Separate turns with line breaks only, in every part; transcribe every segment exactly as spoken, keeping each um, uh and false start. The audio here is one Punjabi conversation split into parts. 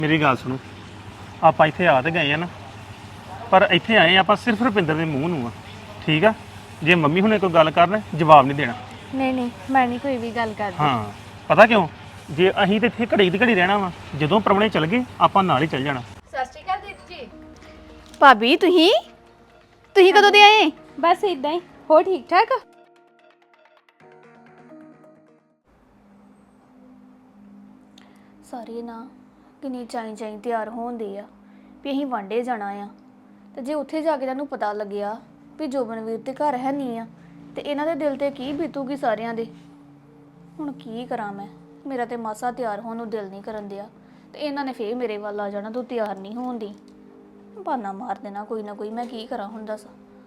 ਮੇਰੀ ਗੱਲ ਸੁਣੋ, ਆਪਾਂ ਇੱਥੇ ਆ ਤੇ ਗਏ ਆ ਨਾ, ਪਰ ਇੱਥੇ ਆਏ ਆਪਾਂ ਸਿਰਫ ਰੁਪਿੰਦਰ ਦੇ ਮੂੰਹ ਨੂੰ ਆ। ਠੀਕ ਆ, ਜੇ ਮੰਮੀ ਹੁਣੇ ਕੋਈ ਗੱਲ ਕਰਨ ਜਵਾਬ ਨਹੀਂ ਦੇਣਾ।
ਨਹੀਂ ਨਹੀਂ ਮੈਂ ਨਹੀਂ ਕੋਈ ਵੀ ਗੱਲ ਕਰਦੀ।
ਹਾਂ ਪਤਾ ਕਿਉਂ, ਜੇ ਅਸੀਂ ਤੇ ਇੱਥੇ ਘੜੀ ਦੀ ਘੜੀ ਰਹਿਣਾ ਵਾ, ਜਦੋਂ ਪ੍ਰਾਹੁਣੇ ਚਲ ਗਏ ਆਪਾਂ ਨਾਲ ਹੀ ਚੱਲ ਜਾਣਾ।
ਸਤਿ ਸ਼੍ਰੀ ਅਕਾਲ ਦੀਦੀ ਜੀ।
ਭਾਬੀ ਤੁਸੀਂ ਤੁਸੀਂ ਕਦੋਂ ਦੇ ਆਏ?
ਬਸ ਇਦਾਂ ਹੀ। ਹੋ ਠੀਕ ਠਾਕ?
ਸਾਰੇ ਨਾ ਕਿੰਨੀ ਚਾਈ ਚਾਈ ਤਿਆਰ ਹੋਣਦੇ ਆ ਵੀ ਅਸੀਂ ਵਾਂਡੇ ਜਾਣਾ ਆ, ਤੇ ਜੇ ਉੱਥੇ ਜਾ ਕੇ ਤੁਹਾਨੂੰ ਪਤਾ ਲੱਗਿਆ ਵੀ ਜੋਬਨਵੀਰ ਤੇ ਘਰ ਹੈ ਨਹੀਂ ਆ, ਤੇ ਇਹਨਾਂ ਦੇ ਦਿਲ ਤੇ ਕੀ ਬੀਤੂਗੀ ਸਾਰਿਆਂ ਦੇ। ਹੁਣ ਕੀ ਕਰਾਂ ਮੈਂ, ਮੇਰਾ ਤੇ ਮਾਸਾ ਤਿਆਰ ਹੋਣ ਨੂੰ ਦਿਲ ਨਹੀਂ ਕਰਨ ਦਿਆ, ਤੇ ਇਹਨਾਂ ਨੇ ਫੇਰ ਮੇਰੇ ਵੱਲ ਆ ਜਾਣਾ ਤੂੰ ਤਿਆਰ ਨਹੀਂ ਹੋਣ ਦੀ। ਬਹਾਨਾ ਮਾਰ ਦੇਣਾ ਕੋਈ ਨਾ ਕੋਈ, ਮੈਂ ਕੀ ਕਰਾਂ ਹੁਣ ਦੱਸ।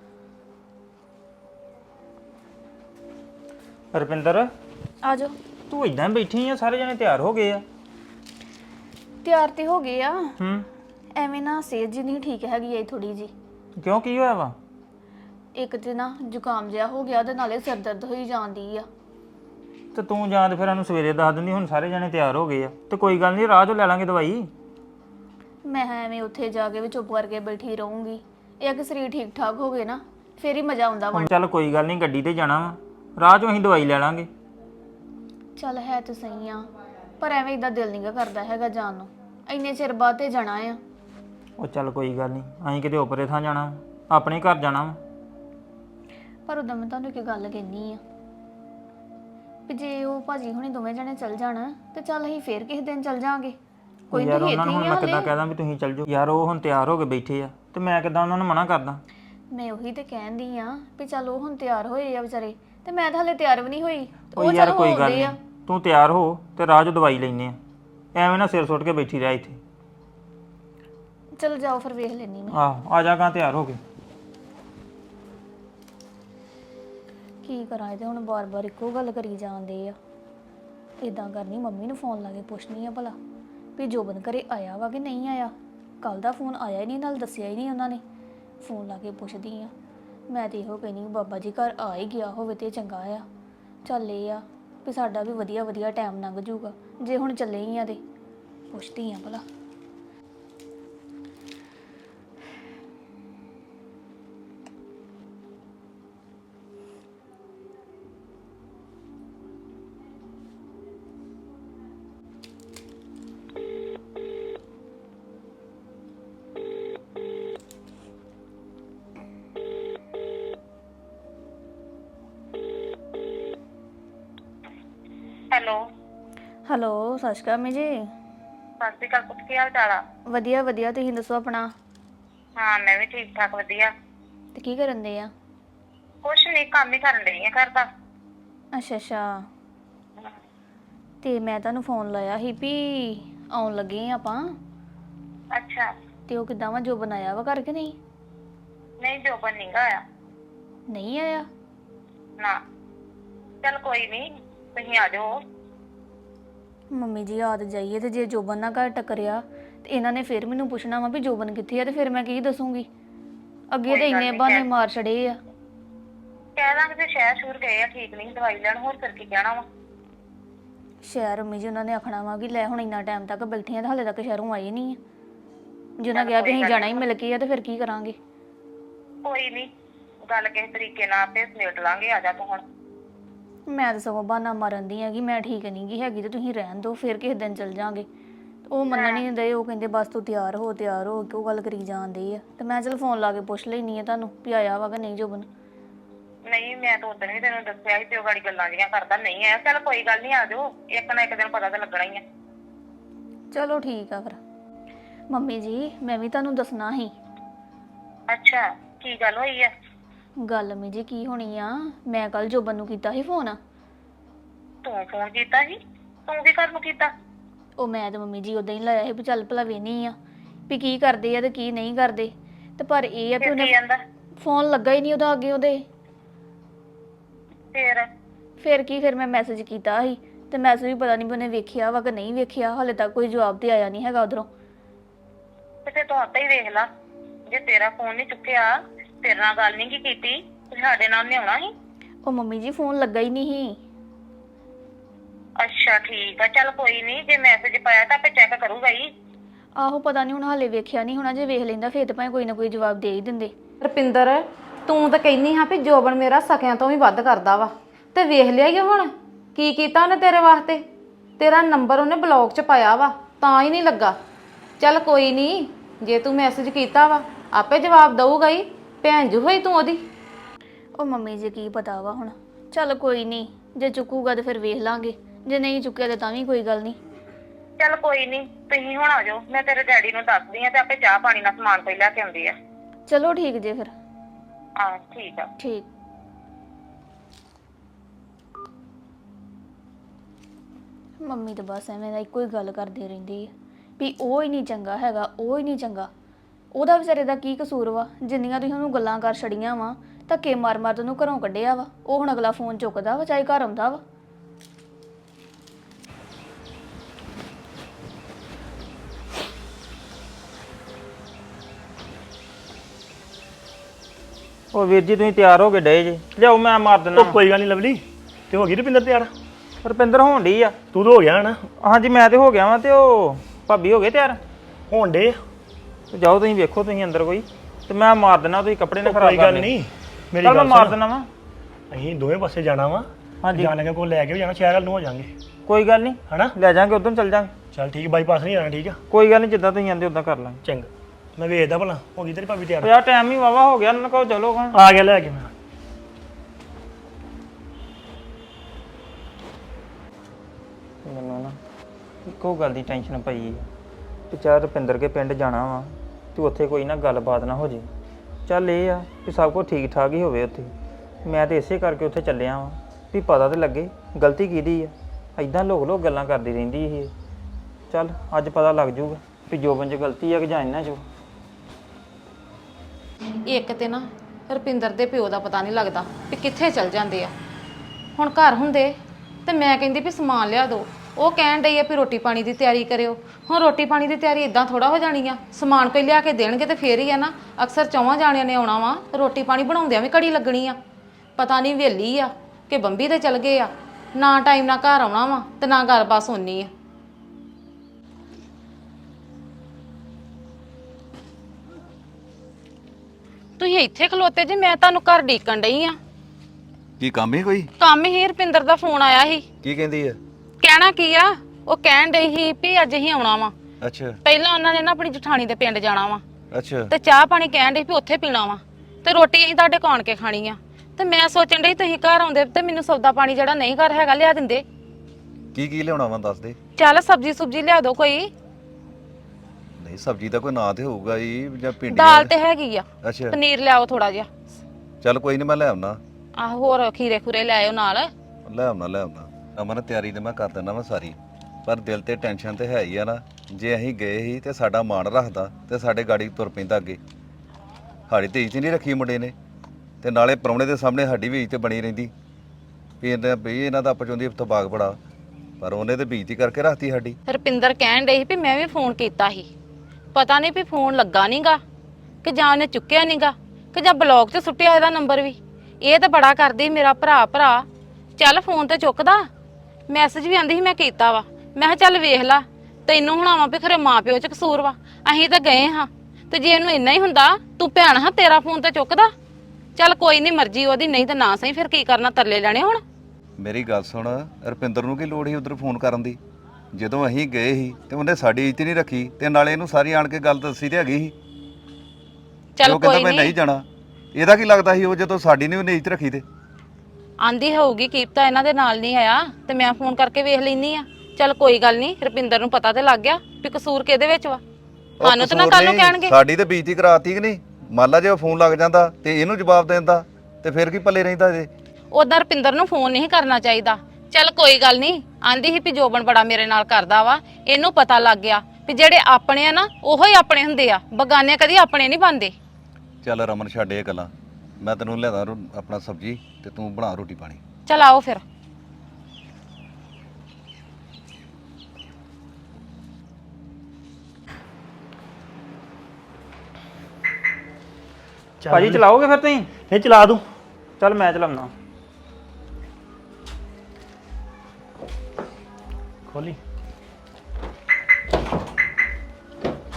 ਰੁਪਿੰਦਰ
ਆ ਜਾਓ।
ਤੂੰ ਇਦਾਂ ਬੈਠੀ ਆ, ਸਾਰੇ ਜਣੇ ਤਿਆਰ ਹੋ ਗਏ ਆ।
ਤਿਆਰ ਤੇ ਹੋ ਗਏ ਆ,
ਹੂੰ,
ਐਵੇਂ ਨਾ ਸਿਹਤ ਜੀ ਨਹੀਂ ਠੀਕ ਹੈਗੀ ਐ ਥੋੜੀ ਜੀ।
ਕਿਉਂ ਕੀ ਹੋਇਆ ਵਾ?
ਇੱਕ ਤੇ ਨਾ ਜ਼ੁਕਾਮ ਜਿਹਾ ਹੋ ਗਿਆ ਤੇ ਨਾਲੇ ਸਿਰ ਦਰਦ ਹੋਈ ਜਾਂਦੀ ਆ।
ਤੇ ਤੂੰ ਜਾਂ ਤੇ ਫਿਰ ਇਹਨੂੰ ਸਵੇਰੇ ਦੱਸ ਦਿੰਦੀ, ਹੁਣ ਸਾਰੇ ਜਣੇ ਤਿਆਰ ਹੋ ਗਏ ਆ ਤੇ ਕੋਈ ਗੱਲ ਨਹੀਂ, ਰਾਹ ਚੋਂ ਲੈ ਲਾਂਗੇ ਦਵਾਈ।
ਮੈਂ ਐਵੇਂ ਉੱਥੇ ਜਾ ਕੇ ਵੀ ਚੁੱਪ ਕਰਕੇ ਬੈਠੀ ਰਹੂੰਗੀ। ਇਹ ਕਿ ਸਰੀਰ ਠੀਕ ਠਾਕ ਹੋ ਗਏ ਨਾ ਫੇਰ ਹੀ ਮਜ਼ਾ ਆਉਂਦਾ ਵਾ।
ਹੁਣ ਚੱਲ ਕੋਈ ਗੱਲ ਨਹੀਂ, ਗੱਡੀ ਤੇ ਜਾਣਾ ਵਾ, ਰਾਹ ਚੋਂ ਅਸੀਂ ਦਵਾਈ ਲੈ ਲਾਂਗੇ।
ਚੱਲ ਹੈ ਤੇ ਸਹੀ ਆ, ਪਰ ਐਵੇਂ ਇਦਾਂ ਦਿਲ ਨਹੀਂ ਕਰਦਾ ਹੈਗਾ ਜਾਣ ਨੂੰ, ਇੰਨੇ ਚਿਰ ਬਾਅਦ ਤੇ ਜਾਣਾ ਆ।
ਉਹ ਚੱਲ ਕੋਈ ਗੱਲ ਨਹੀਂ, ਅਸੀਂ ਕਿਤੇ ਉੱਪਰੇ ਥਾਂ ਜਾਣਾ ਵਾ, ਆਪਣੇ ਘਰ ਜਾਣਾ ਵਾ।
ਪਰ ਉਦੋਂ ਮੈਂ ਤੁਹਾਨੂੰ ਇੱਕ ਗੱਲ ਕਹਿੰਨੀ ਆ ਵੀ ਜੇ ਉਹ ਭਾਜੀ ਹੁਣੀ ਦੋਵੇਂ ਜਣੇ ਚੱਲ ਜਾਣ ਤੇ ਚੱਲ ਅਸੀਂ ਫੇਰ ਕਿਸੇ ਦਿਨ ਚੱਲ ਜਾਾਂਗੇ। ਕੋਈ
ਯਾਰ
ਨਹੀਂ
ਉਹਨਾਂ ਨੂੰ ਹੁਣ
ਇੱਥੇ
ਮੈਂ
ਹੀ
ਕਿੱਦਾਂ ਕਹਿ ਦਾਂ ਵੀ ਤੁਸੀਂ ਚੱਲ ਜਾਓ? ਯਾਰ ਉਹ ਹੁਣ ਤਿਆਰ ਹੋ ਕੇ ਬੈਠੇ ਆ ਤੇ ਮੈਂ ਕਿੱਦਾਂ ਉਹਨਾਂ ਨੂੰ ਮਨਾ ਕਰਦਾ?
ਮੈਂ ਉਹੀ ਤੇ ਕਹਿੰਦੀ ਆ ਵੀ ਚੱਲ ਉਹ ਹੁਣ ਤਿਆਰ ਹੋਏ ਆ ਵਿਚਾਰੇ, ਤੇ ਮੈਂ ਤਾਂ ਹਲੇ ਤਿਆਰ ਵੀ ਨਹੀਂ ਹੋਈ।
ਉਹ ਯਾਰ ਕੋਈ ਗੱਲ ਨਹੀਂ, ਤੂੰ ਤਿਆਰ ਹੋ ਤੇ ਰਾਹ 'ਚ ਦਵਾਈ ਲੈਨੇ ਆ, ਐਵੇਂ ਨਾ ਸਿਰ ਸੁੱਟ ਕੇ ਬੈਠੀ ਰਹਿ ਇੱਥੇ।
ਚਲ ਜਾਓ ਫਿਰ ਵੇਖ ਲੈਣੀ ਮੈਂ।
ਆਹ ਆ ਜਾ ਕਾਂ ਤਿਆਰ ਹੋ ਕੇ।
ਕੀ ਕਰਾਂ, ਇਹਦੇ ਹੁਣ ਬਾਰ-ਬਾਰ ਇੱਕੋ ਗੱਲ ਕਰੀ ਜਾਂਦੇ ਆ। ਇਦਾਂ ਕਰਨੀ, ਮੰਮੀ ਨੂੰ ਫੋਨ ਲਾ ਕੇ ਪੁੱਛਣੀ ਆ ਭਲਾ ਵੀ ਜੋਬਨ ਘਰੇ ਆਇਆ ਵਾ ਕਿ ਨਹੀਂ ਆਇਆ। ਕੱਲ ਦਾ ਫੋਨ ਆਇਆ ਹੀ ਨਹੀਂ, ਨਾਲ ਦੱਸਿਆ ਹੀ ਨਹੀਂ ਉਹਨਾਂ ਨੇ। ਫੋਨ ਲਾ ਕੇ ਪੁੱਛਦੀ ਆ। ਮੈਂ ਤੇ ਇਹੋ ਕਹਿੰਦੀ ਬਾਬਾ ਜੀ ਘਰ ਆ ਹੀ ਗਿਆ ਹੋਵੇ ਤੇ ਚੰਗਾ ਆ। ਚੱਲ ਇਹ ਆ ਵੀ ਸਾਡਾ ਵੀ ਵਧੀਆ ਵਧੀਆ ਟਾਈਮ ਲੰਘ ਜਾਊਗਾ ਜੇ ਹੁਣ ਚੱਲੇ ਹੀ ਆ ਤੇ। ਪੁੱਛਦੀ ਆ ਭਲਾ।
ਹੈਲੋ
ਹੈਲੋ, ਸਤਿ ਸ਼੍ਰੀ ਅਕਾਲ ਮੀ ਜੀ।
ਸਤਿ ਸ਼੍ਰੀ ਅਕਾਲ ਪੁੱਤ, ਕੀ ਹਾਲ ਚਾਲ ਆ?
ਵਧੀਆ ਵਧੀਆ, ਤੁਸੀਂ ਦੱਸੋ ਆਪਣਾ।
ਹਾਂ ਮੈਂ ਵੀ ਠੀਕ ਠਾਕ ਵਧੀਆ।
ਤੇ ਕੀ ਕਰਨ ਦੇ ਆ?
ਕੁਛ ਨਹੀਂ, ਕੰਮ ਹੀ ਕਰਨ ਡਈ ਆ ਘਰ ਦਾ।
ਅੱਛਾ ਅੱਛਾ, ਤੇ ਮੈਂ ਤੁਹਾਨੂੰ ਫੋਨ ਲਾਇਆ ਸੀ ਵੀ ਆਉਣ ਲੱਗੇ ਆ ਆਪਾਂ।
ਅੱਛਾ,
ਤੇ ਉਹ ਕਿੱਦਾਂ ਵਾ, ਜੋ ਬਣਾਇਆ ਵਾ ਘਰ ਕਿ ਨਹੀਂ?
ਨਹੀਂ ਜੋਬਨ ਨੀ ਗਾ ਆਇਆ।
ਨਹੀਂ ਆਇਆ?
ਨਾ ਚੱਲ ਕੋਈ ਨਹੀਂ, ਤੁਸੀਂ ਆ ਜਾਓ।
ਮੰਮੀ ਜੀ ਆਦ ਜਾਈਏ ਤੇ ਜੇ ਜੋਬਨ ਨਾਲ ਘਰ ਟੱਕਰਿਆ ਤੇ ਇਹਨਾਂ ਨੇ ਫਿਰ ਮੈਨੂੰ ਪੁੱਛਣਾ ਵਾ ਵੀ ਜੋਬਨ ਕਿੱਥੇ ਆ, ਤੇ ਫਿਰ ਮੈਂ ਕੀ ਦੱਸੂਗੀ? ਅੱਗੇ ਤੇ ਇੰਨੇ ਬਹਾਨੇ ਮਾਰ ਛੜੇ ਆ।
ਕਹਿ ਦਾਂਗੇ ਤੇ ਸ਼ਹਿਰ ਸ਼ੂਰ ਗਏ ਆ, ਠੀਕ ਨਹੀਂ ਦਵਾਈ ਲੈਣ, ਹੋਰ ਫਿਰ ਕੀ ਕਹਿਣਾ ਵਾ।
ਸ਼ਹਿਰ ਮੰਮੀ ਜੀ ਉਹਨਾਂ ਨੇ ਆਖਣਾ ਵਾ ਕਿ ਲੈ ਹੁਣ ਇੰਨਾ ਟਾਈਮ ਤੱਕ ਬੈਠੇ ਆ ਤੇ ਹਾਲੇ ਤੱਕ ਸ਼ਹਿਰੋਂ ਆਏ ਨਹੀਂ ਆ। ਜੇ ਉਹਨਾਂ ਕਿਹਾ ਵੀ ਅਸੀਂ ਜਾਣਾ ਹੀ ਮਿਲ ਕੇ ਆ ਤੇ ਫਿਰ ਕੀ ਕਰਾਂਗੇ?
ਕੋਈ ਨਹੀਂ, ਗੱਲ ਕਿਸੇ ਤਰੀਕੇ ਨਾਲ ਆਪੇ ਸਮੇਟ ਲਾਂਗੇ। ਆ ਜਾ ਤੂੰ ਹੁਣ।
ਮੈਂ ਤਾਂ ਸਗੋਂ ਬਹਾਨਾ ਮਾਰਨ ਦੀ ਹੈਗੀ ਮੈਂ ਠੀਕ ਨਹੀਂ ਗੀ ਹੈਗੀ, ਤੇ ਤੁਸੀਂ ਰਹਿਣ ਦਿਓ, ਫਿਰ ਕਿਸੇ ਦਿਨ ਚੱਲ ਜਾਾਂਗੇ। ਉਹ ਮੰਨਣ ਨਹੀਂ ਦਿੰਦੇ, ਉਹ ਕਹਿੰਦੇ ਬਸ ਤੂੰ ਤਿਆਰ ਹੋ ਤਿਆਰ ਹੋ, ਕਿਉਂ ਗੱਲ ਕਰੀ ਜਾਂਦੇ ਆ। ਤੇ ਮੈਂ ਚਲ ਫੋਨ ਲਾ ਕੇ ਪੁੱਛ ਲੈਣੀ ਆ ਤੁਹਾਨੂੰ ਵੀ ਆਇਆ ਵਾ ਕਿ ਨਹੀਂ ਜੋਬਨ।
ਨਹੀਂ ਮੈਂ ਤਾਂ ਉਦੋਂ ਵੀ ਤੈਨੂੰ ਦੱਸਿਆ ਸੀ ਤੇ ਉਹ ਗਾੜੀ ਗੱਲਾਂ ਜਿਹੀਆਂ ਕਰਦਾ ਨਹੀਂ ਆਇਆ। ਚੱਲ ਕੋਈ ਗੱਲ ਨਹੀਂ, ਆ ਜਾਓ, ਇੱਕ ਨਾ ਇੱਕ ਦਿਨ ਪਤਾ ਤਾਂ ਲੱਗਣਾ ਹੀ ਆ।
ਚਲੋ ਠੀਕ ਆ ਫਿਰ। ਮੰਮੀ ਜੀ ਮੈਂ ਵੀ ਤੁਹਾਨੂੰ ਦੱਸਣਾ ਸੀ।
ਅੱਛਾ, ਕੀ ਗੱਲ ਹੋਈ ਆ?
ਗੱਲ ਮੀ ਜੀ ਕੀ ਹੋਣੀ ਆ, ਮੈਂ ਕੱਲ ਜੋਬਨ ਨੂੰ ਕੀਤਾ ਸੀ ਫੋਨ।
ਤੂੰ ਫੋਨ ਕੀਤਾ ਸੀ? ਤੂੰ ਕੀ ਕਰਨ ਨੂੰ ਕੀਤਾ?
ਉਹ ਮੈਂ ਤੇ ਮੰਮੀ ਜੀ ਉਦਾਂ ਹੀ ਲਾਇਆ ਸੀ ਵੀ ਚੱਲ ਭਲਾ ਵੇਹਨੀ ਆ ਵੀ ਕੀ ਕਰਦੇ ਆ ਤੇ ਕੀ ਨਹੀਂ ਕਰਦੇ। ਤੇ ਪਰ ਇਹ ਆ ਵੀ ਉਹਨੇ ਫੋਨ ਲੱਗਾ ਹੀ ਨਹੀਂ ਉਹਦਾ ਅੱਗੇ ਉਹਦੇ।
ਫਿਰ
ਫਿਰ ਕੀ, ਫਿਰ ਮੈਂ ਮੈਸੇਜ ਕੀਤਾ ਸੀ ਤੇ ਮੈਸੇਜ ਵੀ ਪਤਾ ਨਹੀਂ ਵੀ ਉਹਨੇ ਵੇਖਿਆ ਵਾ ਕਿ ਨਹੀਂ ਵੇਖਿਆ, ਹਾਲੇ ਤੱਕ ਕੋਈ ਜਵਾਬ ਤੇ ਆਇਆ ਨਹੀਂ ਹੈਗਾ ਉਧਰੋਂ।
ਤੇ ਫਿਰ ਤੂੰ ਆਪੇ ਹੀ ਵੇਖ ਲਾ, ਜੇ ਤੇਰਾ ਫੋਨ ਨਹੀਂ ਚੁੱਕਿਆ, ਤੇਰੇ ਨਾਲ ਗੱਲ ਨਹੀਂ ਕੀਤੀ ਤੇ ਸਾਡੇ ਨਾਲ ਉਹਨੇ ਆਉਣਾ ਸੀ।
ਉਹ ਮੰਮੀ ਜੀ ਫੋਨ ਲੱਗਾ ਹੀ ਨਹੀਂ ਸੀ।
ਅੱਛਾ ਠੀਕ ਆ, ਚੱਲ ਕੋਈ ਨਹੀਂ, ਜੇ ਮੈਸੇਜ ਪਾਇਆ ਤਾਂ ਆਪੇ ਚੈੱਕ ਕਰੂਗਾ ਹੀ।
ਆਹੋ ਪਤਾ ਨਹੀਂ ਹੁਣ ਹਾਲੇ ਵੇਖਿਆ ਨਹੀਂ ਹੋਣਾ, ਜੇ ਵੇਖ ਲੈਂਦਾ ਫੇਰ ਤਾਂ ਭਾਵੇਂ ਕੋਈ ਨਾ ਕੋਈ ਜਵਾਬ ਦੇ ਹੀ ਦਿੰਦੇ।
ਰਪਿੰਦਰ ਤੂੰ ਤਾਂ ਕਹਿੰਦੀ ਹਾਂ ਵੀ ਜੋਬਨ ਮੇਰਾ ਸਕਿਆਂ ਤੋਂ ਵੀ ਵੱਧ ਕਰਦਾ ਵਾ, ਤੇ ਵੇਖ ਲਿਆ ਹੀ ਹੁਣ ਕੀ ਕੀਤਾ ਉਹਨੇ ਤੇਰੇ ਵਾਸਤੇ। ਤੇਰਾ ਨੰਬਰ ਉਹਨੇ ਬਲੌਕ 'ਚ ਪਾਇਆ ਵਾ ਤਾਂ ਹੀ ਨਹੀਂ ਲੱਗਾ। ਚੱਲ ਕੋਈ ਨਹੀਂ, ਜੇ ਤੂੰ ਮੈਸੇਜ ਕੀਤਾ ਵਾ ਆਪੇ ਜਵਾਬ ਦਊਗਾ ਹੀ, ਭੈਣ ਜੂ ਹੋਈ ਤੂੰ ਉਹਦੀ।
ਉਹ ਮੰਮੀ ਜੀ ਕੀ ਪਤਾ ਵਾ ਹੁਣ, ਚੱਲ ਕੋਈ ਨਹੀਂ, ਜੇ ਚੁੱਕੂਗਾ ਤਾਂ ਫਿਰ ਵੇਖ ਲਾਂਗੇ, ਜੇ ਨਹੀਂ ਚੁੱਕਿਆ ਤਾਂ ਤਾਂ ਵੀ ਕੋਈ ਗੱਲ ਨਹੀਂ।
ਚੱਲ ਕੋਈ ਨਹੀਂ, ਤੁਸੀਂ ਹੁਣ ਆ ਜਾਓ, ਮੈਂ ਤੇਰੇ ਡੈਡੀ ਨੂੰ ਦੱਸਦੀ ਆ ਤੇ ਆਪੇ ਚਾਹ ਪਾਣੀ ਨਾਲ ਸਮਾਨ ਕੋਈ ਲੈ ਕੇ ਆਉਂਦੀ ਆ।
ਚਲੋ ਠੀਕ ਜੇ ਫਿਰ।
ਹਾਂ ਠੀਕ ਆ।
ਠੀਕ। ਮੰਮੀ ਤਾਂ ਬਸ ਐਵੇਂ ਦਾ ਇੱਕੋ ਹੀ ਗੱਲ ਕਰਦੀ ਰਹਿੰਦੀ ਹੈ ਵੀ ਉਹ ਹੀ ਨਹੀਂ ਚੰਗਾ ਹੈਗਾ, ਉਹ ਹੀ ਨਹੀਂ ਚੰਗਾ। ਉਹਦਾ ਵਿਚਾਰੇ ਦਾ ਕੀ ਕਸੂਰ ਵਾ? ਜਿੰਨੀਆਂ ਤੁਸੀਂ ਉਹਨੂੰ ਗੱਲਾਂ ਕਰ ਛੜੀਆਂ ਵਾ, ਧੱਕੇ ਮਾਰ ਮਾਰ ਉਹਨੂੰ ਘਰੋਂ ਕੱਢਿਆ ਵਾ, ਉਹ ਹੁਣ ਅਗਲਾ ਫੋਨ ਚੁੱਕਦਾ ਵਾ ਚਾਹੇ ਘਰ ਆਉਂਦਾ ਵਾ।
ਉਹ ਵੀਰ ਜੀ ਤੁਸੀਂ ਤਿਆਰ ਹੋ ਕੇ ਡਏ ਜੇ, ਲਿਆਓ ਮੈਂ ਮਾਰ ਦਿੰਦਾ।
ਉਹ ਕੋਈ ਗੱਲ ਨਹੀਂ ਲਵਲੀ, ਤੇ ਹੋ ਗਈ ਰੁਪਿੰਦਰ ਤਿਆਰ?
ਰੁਪਿੰਦਰ ਹੋਣ ਡਈ ਆ।
ਤੂੰ ਤਾਂ ਹੋ ਗਿਆ ਨਾ?
ਹਾਂਜੀ ਮੈਂ ਤੇ ਹੋ ਗਿਆ ਵਾਂ, ਤੇ ਉਹ ਭਾਬੀ ਹੋ ਗਏ ਤਿਆਰ?
ਹੋਣ ਡੇ।
ਤੇ ਜਾਓ ਤੁਸੀਂ ਵੇਖੋ ਤੁਸੀਂ ਅੰਦਰ ਕੋਈ, ਤੇ ਮੈਂ ਮਾਰ ਦਿੰਦਾ, ਤੁਸੀਂ ਕੱਪੜੇ ਨਾ ਖਰਾਬ
ਕੋਈ
ਕਰ
ਗੱਲ
ਲਿਓ।
ਨਹੀਂ, ਮੇਰੀ
ਚੱਲ ਮੈਂ
ਗੱਲ
ਮਾਰ
ਸੁਣ,
ਦਿੰਦਾ ਵਾਂ।
ਅਸੀਂ ਦੋਵੇਂ ਪਾਸੇ ਜਾਣਾ ਵਾ।
ਹਾਂਜੀ
ਜਾਣ ਲੱਗਾ ਕੋਲ ਲੈ ਕੇ ਵੀ ਜਾਣਾ, ਸ਼ਹਿਰ ਵੱਲ ਨੂੰ ਹੋ ਜਾਾਂਗੇ।
ਕੋਈ ਗੱਲ ਨਹੀਂ,
ਹਨਾ
ਲੈ ਜਾਾਂਗੇ ਉਧਰ ਚੱਲ ਜਾਾਂਗੇ।
ਚੱਲ ਠੀਕ, ਬਾਈਪਾਸ ਨਹੀਂ ਜਾਣਾ, ਠੀਕ ਆ?
ਕੋਈ ਗੱਲ ਨਹੀਂ, ਜਿੱਦਾਂ ਤੁਸੀਂ ਆਂਦੇ ਉਦਾਂ ਕਰ ਲਾਂਗੇ।
ਚੰਗਾ, ਮੈਂ ਵੇਖਦਾ ਭਲਾ ਹੋ ਗਈ ਤੇਰੀ ਭਾਬੀ ਤਿਆਰ?
ਉਹ ਯਾਰ ਟਾਈਮ ਹੀ ਵਾਵਾ ਹੋ ਗਿਆ, ਉਹਨਾਂ ਕੋਲ ਚਲੋ ਖਾਂ।
ਆ ਗਿਆ ਲੈ ਕੇ ਮੈਂ।
ਮੈਨੂੰ ਨਾ ਇੱਕੋ ਗੱਲ ਦੀ ਟੈਨਸ਼ਨ ਪਈ ਆ ਕਿ ਚਾਹ ਰੁਪਿੰਦਰ ਕੇ ਪਿੰਡ ਜਾਣਾ ਵਾ, ਤੇ ਉੱਥੇ ਕੋਈ ਨਾ ਗੱਲਬਾਤ ਨਾ ਹੋ ਜੇ। ਚੱਲ ਇਹ ਆ ਕਿ ਸਭ ਕੁਝ ਠੀਕ ਠਾਕ ਹੀ ਹੋਵੇ ਉੱਥੇ। ਮੈਂ ਤੇ ਇਸੇ ਕਰਕੇ ਉੱਥੇ ਚੱਲਿਆ ਵਾਂ ਵੀ ਪਤਾ ਤੇ ਲੱਗੇ ਗਲਤੀ ਕਿਹਦੀ ਆ। ਐਦਾਂ ਲੋਕ ਲੋਕ ਗੱਲਾਂ ਕਰਦੀ ਰਹਿੰਦੀ ਇਹ। ਚੱਲ ਅੱਜ ਪਤਾ ਲੱਗ ਜੂਗਾ ਵੀ ਜੋਬਨ 'ਚ ਗਲਤੀ ਆ ਕਿ ਜਾਂ ਇਹਨਾਂ 'ਚ।
ਇੱਕ ਤੇ ਨਾ ਰੁਪਿੰਦਰ ਦੇ ਪਿਓ ਦਾ ਪਤਾ ਨਹੀਂ ਲੱਗਦਾ ਵੀ ਕਿੱਥੇ ਚਲ ਜਾਂਦੇ ਆ। ਹੁਣ ਘਰ ਹੁੰਦੇ ਤੇ ਮੈਂ ਕਹਿੰਦੀ ਵੀ ਸਮਾਨ ਲਿਆ ਦਿਓ, ਉਹ ਕਹਿਣ ਡਈ ਆ ਵੀ ਰੋਟੀ ਪਾਣੀ ਦੀ ਤਿਆਰੀ ਕਰਿਓ। ਹੁਣ ਰੋਟੀ ਪਾਣੀ ਦੀ ਤਿਆਰੀ ਇਦਾਂ ਥੋੜਾ ਹੋ ਜਾਣੀ ਆ, ਸਮਾਨ ਕੋਈ ਲਿਆ ਕੇ ਦੇਣਗੇ ਤੇ ਫੇਰ ਹੀ ਆ ਨਾ। ਅਕਸਰ ਚੌਵਾਂ ਜਾਣਿਆਂ ਨੇ ਆਉਣਾ ਵਾ, ਰੋਟੀ ਪਾਣੀ ਬਣਾਉਂਦਿਆਂ ਵੀ ਘੜੀ ਲੱਗਣੀ ਆ। ਪਤਾ ਨਹੀਂ ਵੇਲੀ ਆ ਕਿ ਬੰਬੀ ਤੇ ਚਲ ਗਏ ਆ, ਨਾ ਟਾਈਮ ਨਾਲ ਘਰ ਆਉਣਾ ਵਾ ਤੇ ਨਾ ਗੱਲਬਾਤ ਸੁਣਨੀ ਆ। ਤੁਸੀਂ ਇੱਥੇ ਖਲੋਤੇ ਜੇ, ਮੈਂ ਤੁਹਾਨੂੰ ਘਰ ਡੀਕਣ ਡਈ ਆ।
ਕੀ ਕੰਮ ਹੀ ਕੋਈ?
ਕੰਮ ਹੀ ਰੁਪਿੰਦਰ ਦਾ ਫੋਨ ਆਇਆ ਸੀ।
ਕੀ ਕਹਿੰਦੀ ਹੈ?
ਕਹਿਣਾ ਕੀ ਆ, ਉਹ ਕਹਿਣ ਡਈ ਸੀ ਵੀ ਅੱਜ ਹੀ ਆਉਣਾ ਵਾ।
ਅੱਛਾ
ਪਹਿਲਾਂ ਉਹਨਾਂ ਨੇ ਨਾ ਆਪਣੀ ਜਠਾਣੀ ਦੇ ਪਿੰਡ ਜਾਣਾ ਵਾ,
ਅੱਛਾ
ਤੇ ਚਾਹ ਪਾਣੀ ਕਹਿਣ ਡਈ ਵੀ ਉੱਥੇ ਪੀਣਾ ਵਾ, ਤੇ ਰੋਟੀ ਅਸੀਂ ਤੁਹਾਡੇ ਕਾਣ ਕੇ ਖਾਣੀ ਆ। ਤੇ ਮੈਂ ਸੋਚਣ ਡਈ ਤੁਸੀਂ ਘਰ ਆਉਂਦੇ ਤੇ ਮੈਨੂੰ ਸੌਦਾ ਪਾਣੀ ਜਿਹੜਾ ਨਹੀਂ ਘਰ ਹੈਗਾ ਲਿਆ ਦਿੰਦੇ।
ਕੀ ਕੀ ਲਿਆਉਣਾ ਵਾ ਦੱਸ ਦੇ।
ਚੱਲ ਸਬਜੀ ਸੁਬਜੀ ਲਿਆ ਦਿਓ ਕੋਈ।
ਨਹੀਂ ਸਬਜ਼ੀ ਦਾ ਕੋਈ ਨਾਂ ਤੇ ਹੋਊਗਾ ਹੀ, ਜਾਂ ਭਿੰਡੀਆਂ।
ਦਾਲ ਤੇ ਹੈਗੀ ਆ,
ਅੱਛਾ
ਪਨੀਰ ਲਿਆਓ ਥੋੜਾ ਜਿਹਾ।
ਚੱਲ ਕੋਈ ਨਹੀਂ, ਮੈਂ ਲੈ ਆਉਣਾ।
ਆਹ ਹੋਰ ਖੀਰੇ ਖੁਰੇ ਲੈ ਆਇਓ ਨਾਲ।
ਲੈ ਆਉਣਾ ਲੈ ਆਉਣਾ ਅਮਨ, ਤਿਆਰੀ ਤੇ ਮੈਂ ਕਰ ਦਿੰਦਾ ਵਾ ਸਾਰੀ, ਪਰ ਦਿਲ ਤੇ ਟੈਨਸ਼ਨ ਤੇ ਹੈ ਹੀ ਆ ਨਾ। ਜੇ ਅਸੀਂ ਗਏ ਸੀ ਤੇ ਸਾਡਾ ਮਾਣ ਰੱਖਦਾ ਤੇ ਸਾਡੇ ਗਾੜੀ ਤੁਰ ਪੈਂਦਾ ਅੱਗੇ। ਸਾਡੀ ਤੇ ਇੱਜ਼ਤ ਨਹੀਂ ਰੱਖੀ ਮੁੰਡੇ ਨੇ, ਤੇ ਨਾਲੇ ਪ੍ਰਾਹੁਣੇ ਦੇ ਸਾਹਮਣੇ ਸਾਡੀ ਵੀ ਇੱਜ਼ਤ ਬਣੀ ਰਹਿੰਦੀ ਵੀ ਇਹਨਾਂ ਵੀ ਇਹਨਾਂ ਦਾ ਪਚੋਂਦੀ ਤਬਾਕ ਬੜਾ, ਪਰ ਉਹਨੇ ਤੇ ਬੇਇੱਜ਼ਤੀ ਕਰਕੇ ਰੱਖਤੀ ਸਾਡੀ।
ਰੁਪਿੰਦਰ ਕਹਿਣ ਡਈ ਸੀ ਵੀ ਮੈਂ ਵੀ ਫੋਨ ਕੀਤਾ ਸੀ, ਪਤਾ ਨਹੀਂ ਵੀ ਫੋਨ ਲੱਗਾ ਨਹੀਂਗਾ ਕਿ ਜਾਂ ਉਹਨੇ ਚੁੱਕਿਆ ਨਹੀਂਗਾ ਕਿ ਜਾਂ ਬਲੌਕ 'ਚ ਸੁੱਟਿਆ ਇਹਦਾ ਨੰਬਰ ਵੀ। ਇਹ ਤਾਂ ਬੜਾ ਕਰਦੀ ਮੇਰਾ ਭਰਾ ਭਰਾ। ਚੱਲ ਫੋਨ ਤੇ ਚੁੱਕਦਾ, ਮੈਸੇਜ ਵੀ ਆਂਦੀ ਸੀ ਮੈਂ ਕੀਤਾ ਵਾ। ਮੈਂ ਕਿਹਾ ਚੱਲ ਵੇਖ ਲਾ, ਤੈਨੂੰ ਹੁਣ ਆਵਾਂ ਵੀ ਖਰੇ ਮਾਂ ਪਿਓ 'ਚ ਕਸੂਰ ਵਾ, ਅਸੀਂ ਤਾਂ ਗਏ ਹਾਂ। ਤੇ ਜੇ ਇਹਨੂੰ ਇੰਨਾ ਹੀ ਹੁੰਦਾ ਤੂੰ ਭੈਣ ਹਾਂ, ਤੇਰਾ ਫੋਨ ਤੇ ਚੁੱਕਦਾ। ਚੱਲ ਕੋਈ ਨਹੀਂ, ਮਰਜ਼ੀ ਉਹਦੀ, ਨਹੀਂ ਤਾਂ ਨਾ ਸਹੀ, ਫਿਰ ਕੀ ਕਰਨਾ, ਤਰਲੇ ਲੈਣੇ ਹੁਣ।
ਮੇਰੀ ਗੱਲ ਸੁਣ, ਰੁਪਿੰਦਰ ਨੂੰ ਕੀ ਲੋੜ ਸੀ ਉਧਰ ਫੋਨ ਕਰਨ ਦੀ? ਜਦੋਂ ਅਸੀਂ ਗਏ ਸੀ ਤੇ ਉਹਨੇ ਸਾਡੀ ਇੱਜ਼ਤ ਨਹੀਂ ਰੱਖੀ, ਤੇ ਨਾਲੇ ਇਹਨੂੰ ਸਾਰੀ ਆਣ ਕੇ ਗੱਲ ਦੱਸੀ ਤੇ ਹੈਗੀ ਸੀ।
ਚੱਲ
ਉਹ ਕਹਿੰਦਾ
ਕੋਈ
ਮੈਂ
ਨਹੀਂ,
ਨਹੀਂ ਜਾਣਾ। ਇਹਦਾ ਕੀ ਲੱਗਦਾ ਸੀ ਉਹ ਜਦੋਂ ਸਾਡੀ ਨਹੀਂ ਉਹਨੇ ਇੱਜ਼ਤ ਰੱਖੀ ਤੇ?
ਆਂਦੀ ਹੋਊਗੀ ਕੀਪਤਾ ਇਹਨਾਂ ਦੇ ਨਾਲ ਨਹੀਂ ਆਇਆ, ਤੇ ਮੈਂ ਫੋਨ ਕਰਕੇ ਵੇਖ ਲੈਣੀ ਆ। ਚੱਲ ਕੋਈ ਗੱਲ ਨਹੀਂ, ਰੁਪਿੰਦਰ ਨੂੰ ਪਤਾ ਤੇ ਲੱਗ ਗਿਆ ਵੀ ਕਸੂਰ ਕਿਹਦੇ ਵਿੱਚ ਵਾ।
ਉਹ
ਸਾਨੂੰ ਤਾਂ ਨਾ
ਕਸੂਰ
ਕੱਲ ਨੂੰ
ਨਹੀਂ,
ਕਹਿਣਗੇ।
ਸਾਡੀ ਤੇ ਬੇਇੱਜ਼ਤੀ ਕਰਾਤੀ ਕਿ ਨਹੀਂ? ਮੰਨ ਲਾ ਜੇ ਉਹ ਫੋਨ ਲੱਗ ਜਾਂਦਾ ਤੇ ਇਹਨੂੰ ਜਵਾਬ ਦੇ ਦਿੰਦਾ ਤੇ ਫਿਰ ਕੀ ਪੱਲੇ ਰਹਿੰਦਾ ਇਹਦੇ?
ਉਧਰ ਰੁਪਿੰਦਰ ਨੂੰ ਫੋਨ ਨਹੀਂ ਕਰਨਾ ਚਾਹੀਦਾ। ਚੱਲ ਕੋਈ ਗੱਲ ਨਹੀਂ, ਆਂਦੀ ਸੀ ਵੀ ਜੋਬਨ ਬੜਾ ਮੇਰੇ ਨਾਲ ਕਰਦਾ ਵਾ। ਇਹਨੂੰ ਪਤਾ ਲੱਗ ਗਿਆ ਵੀ ਜਿਹੜੇ ਆਪਣੇ ਆ ਨਾ ਉਹੋ ਹੀ ਆਪਣੇ ਹੁੰਦੇ ਆ, ਬਗਾਨੇ ਕਦੀ ਆਪਣੇ ਨਹੀਂ ਬਣਦੇ।
ਚੱਲ ਰਮਨ ਛੱਡ ਇਹ ਗੱਲਾਂ, ਮੈਂ ਤੈਨੂੰ ਲਿਆਦਾ ਆਪਣਾ ਸਬਜ਼ੀ ਤੇ ਤੂੰ ਬਣਾ ਰੋਟੀ ਪਾਣੀ।
ਚੱਲ ਆਓ ਫਿਰ।
ਭਾਜੀ ਚਲਾਓਗੇ ਫਿਰ ਤੁਸੀਂ?
ਨਹੀਂ ਚਲਾ ਦੂੰ।
ਚੱਲ ਮੈਂ ਚਲਾਉਣਾ।
ਖੋਲੀ।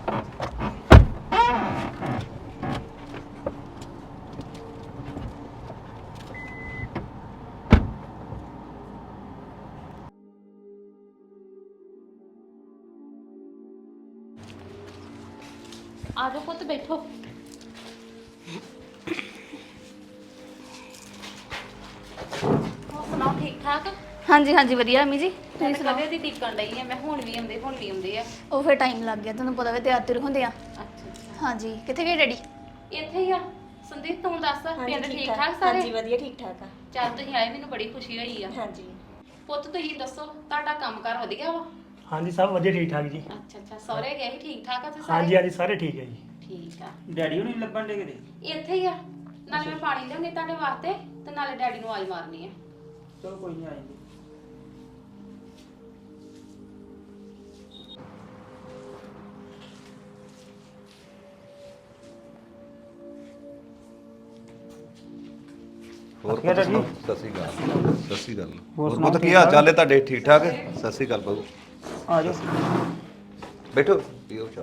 ਆ ਜਾਓ ਪੁੱਤ ਬੈਠੋ। ਹੋਰ ਸੁਣਾਓ ਠੀਕ ਠਾਕ?
ਹਾਂਜੀ ਹਾਂਜੀ ਵਧੀਆ ਅਮੀ ਜੀ, ਤੁਸੀਂ
ਮੈਂ
ਸੁਣਾਓ।
ਕਦੇ ਦੀ ਟਿਕਣ ਡਈ ਆ, ਮੈਂ ਹੁਣ ਵੀ ਆਉਂਦੇ ਹੁਣ ਵੀ ਆਉਂਦੇ ਆ।
ਉਹ ਫਿਰ ਟਾਈਮ ਲੱਗ ਗਿਆ, ਤੁਹਾਨੂੰ ਪਤਾ ਵੇ ਤਿਆਰ ਤੁਰ ਹੁੰਦੇ ਆ।
ਅੱਛਾ
ਹਾਂਜੀ, ਕਿੱਥੇ ਗਏ ਡੈਡੀ?
ਇੱਥੇ ਹੀ ਆ। ਸੰਦੀਪ ਤੂੰ ਦੱਸ ਪਿੰਡ ਠੀਕ ਠਾਕ ਸਾਰੇ?
ਹਾਂਜੀ ਵਧੀਆ ਠੀਕ ਠਾਕ ਆ।
ਚੱਲ ਤੁਸੀਂ ਆਏ ਮੈਨੂੰ ਬੜੀ ਖੁਸ਼ੀ ਹੋਈ ਆ।
ਹਾਂਜੀ
ਪੁੱਤ ਤੁਸੀਂ ਦੱਸੋ ਤੁਹਾਡਾ ਕੰਮਕਾਰ ਵਧੀਆ ਵਾ?
ਹਾਂਜੀ ਸਭ ਵਧੀਆ ਠੀਕ ਠਾਕ ਜੀ।
ਅੱਛਾ ਅੱਛਾ ਸਹੁਰੇ ਗਏ ਸੀ ਠੀਕ ਠਾਕ ਆ ਤੇ ਸਾਰੇ?
ਹਾਂਜੀ ਹਾਂਜੀ ਸਾਰੇ ਠੀਕ ਹੈ ਜੀ।
ਠੀਕ ਆ।
ਡੈਡੀ ਹੁਣੀ ਲੱਭਣ ਦੇ ਕਿਤੇ?
ਇੱਥੇ ਹੀ ਆ, ਨਾਲੇ ਮੈਂ ਪਾਣੀ ਲਿਆਉਣੀ ਤੁਹਾਡੇ ਵਾਸਤੇ ਤੇ ਨਾਲੇ ਡੈਡੀ ਨੂੰ ਆਵਾਜ਼ ਮਾਰਨੀ ਆ।
ਚਲੋ ਕੋਈ ਨਹੀਂ ਆਏਗੀ।
ਹੋਰ
ਕਿਆ
ਪੁੱਤ
ਡੈਡੀ?
ਸੁਣਾਓ? ਸਤਿ ਸ਼੍ਰੀ ਅਕਾਲ। ਸਤਿ ਸ਼੍ਰੀ ਅਕਾਲ।
ਹੋਰ
ਹੋਰ
ਸੁਣਾਓ,
ਪੁੱਤ ਕੀ
ਠੀਕ
ਹਾਲ
ਠਾਕ?
ਚਾਲ ਹੈ ਤੁਹਾਡੇ? ਠੀਕ ਠਾਕ? ਸਤਿ ਸ਼੍ਰੀ ਅਕਾਲ ਬਾਬੂ।
ਆ ਜਾਓ।
ਬੈਠੋ ਪੀਓ ਚਾਹ।